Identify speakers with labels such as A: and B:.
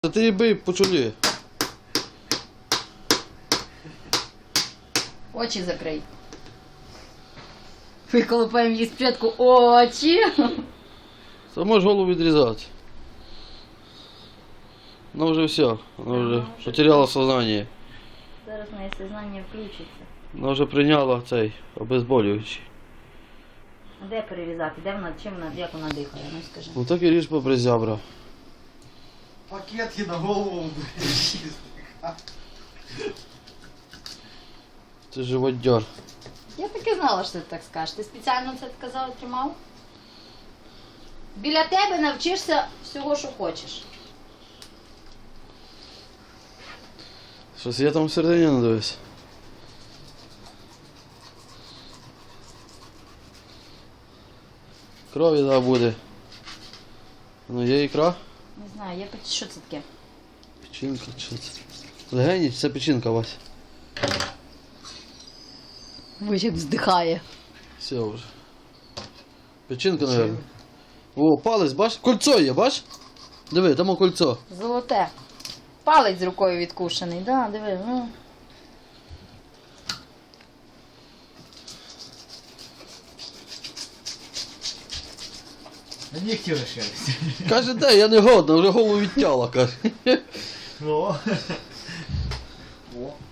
A: Та ти її бий по чолі.
B: Очі закрий. Виколупаємо їй спочатку очі.
A: Та можеш голову відрізати. Ну вже все, вона вже потеряла сознання.
B: Зараз моє сознання включиться.
A: Вона вже прийняла цей обезболюючий.
B: А де перерізати? Де вона, чим вона, як вона дихає? Ну скажи.
A: Ну так і ріж попри зябра.
C: Пакетки на голову.
A: Це живодьор.
B: Я так і знала, що ти так скажеш. Ти спеціально це казав, тримав? Біля тебе навчишся всього, що хочеш.
A: Щось я там всередині не дивись. Крові да буде. Ну є ікра?
B: Не знаю, я що це таке?
A: Печінка чи це? Легені, це печінка, Вась.
B: Ось як вздихає.
A: Все вже. Печінка, мабуть. О, палець, бач? Кольцо є, бач? Диви, там кольцо.
B: Золоте. Палець з рукою відкушений, да, диви, ну.
C: На нігті лишилися.
A: Каже, де, я не годна, вже голову відтяла, каже.
C: О. О.